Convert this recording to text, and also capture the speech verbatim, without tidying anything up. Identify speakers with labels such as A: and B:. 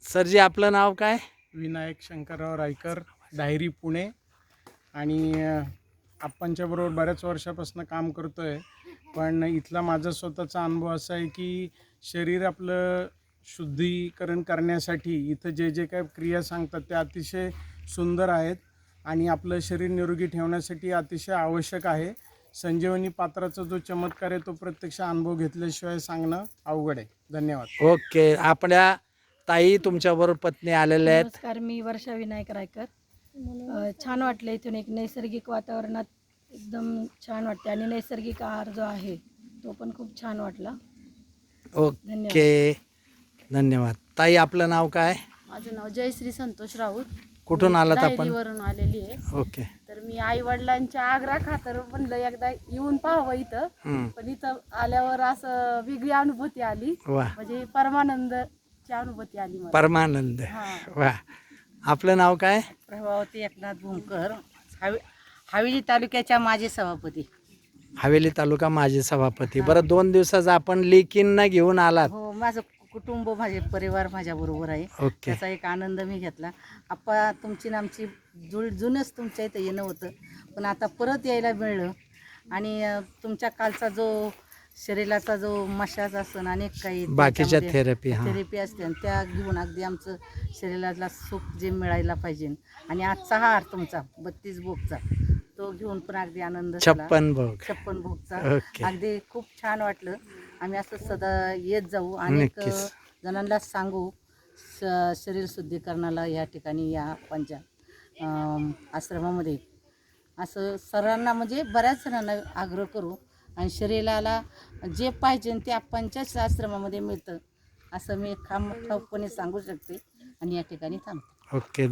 A: सरजी आपलं नाव काय?
B: विनायक शंकरराव रायकर, डायरी पुणे. आणि अ, आप्पांच्या बरोबर बऱ्याच वर्षापासून काम करतो आहे. पण इथला माझा स्वतःचा अनुभव असा आहे की शरीर आपलं शुद्धीकरण करण्यासाठी इथं जे जे काय क्रिया सांगतात त्या अतिशय सुंदर आहेत आणि आपलं शरीर निरोगी ठेवण्यासाठी अतिशय आवश्यक आहे. संजीवनी पात्राचा जो चमत्कार आहे तो प्रत्यक्ष अनुभव घेतल्याशिवाय सांगणं अवघड आहे. धन्यवाद.
A: ओके. आपल्या ताई तुमच्याबरोबर पत्नी आलेल्या आहेत.
C: नमस्कार, मी वर्षा विनायक रायकर. अ, छान वाटलं इथून एक नैसर्गिक वातावरणात एकदम छान वाटते आणि नैसर्गिक आहार जो आहे तो पण खूप छान वाटला.
A: ओके, धन्यवाद. ताई आपलं नाव काय?
D: माझं नाव जयश्री संतोष राऊत.
A: कुठून आलात आपण?
D: डायरीवरून आलेली आहे.
A: ओके.
D: तर मी आई वडिलांच्या आग्रह खातर म्हणलं एकदा येऊन पाहावं इथं.
A: हम्म.
D: पण इथं आल्यावर असं वेगळी अनुभूती आली,
A: वा,
D: म्हणजे परमानंदची अनुभूती आली मला.
A: परमानंद.
D: हा.
A: वा. आपलं नाव काय?
E: प्रभावती एकनाथ भूमकर, हवे हवेली तालुक्याच्या माजी सभापती.
A: हवेली तालुका माजी सभापती. बरं, दोन दिवसाचा आपण लेकींना घेऊन आलात.
E: हो, माझं कुटुंब, माझे परिवार माझ्या बरोबर आहे.
A: ओके.
E: त्याचा एक आनंद मी घेतला. आप्पा, तुमची ना आमची जुळ जुनच तुमच्या इथं येणं होतं, पण आता परत यायला मिळलं. आणि अ, तुमच्या कालचा जो शरीराचा जो मशाज असन अनेक काही
A: बाकीच्या थेरपी. हां,
E: थेरपी असते आणि त्या घेऊन अगदी आमचं शरीराला सुख जे मिळायला पाहिजे. आणि आजचा हार तुमचा बत्तीस भोगचा तो घेऊन पण अगदी आनंद झाला.
A: छप्पन भोग.
E: छप्पन भोगचा
A: ओके.
E: अगदी खूप छान वाटलं. आम्ही असं सदा येत जाऊ आणि
A: नक्कीच.
E: जणांना सांगू श शरीर शुद्धीकरणाला या ठिकाणी या आप्पांच्या अम, आश्रमामध्ये असं सर्वांना, म्हणजे बऱ्याच जणांना आग्रह करू. आणि शरीराला जे पाहिजे ते आप्पांच्याच आश्रमामध्ये मिळतं असं मी खाम ठाऊकपणे सांगू शकते. आणि या ठिकाणी थांबते.
A: ओके.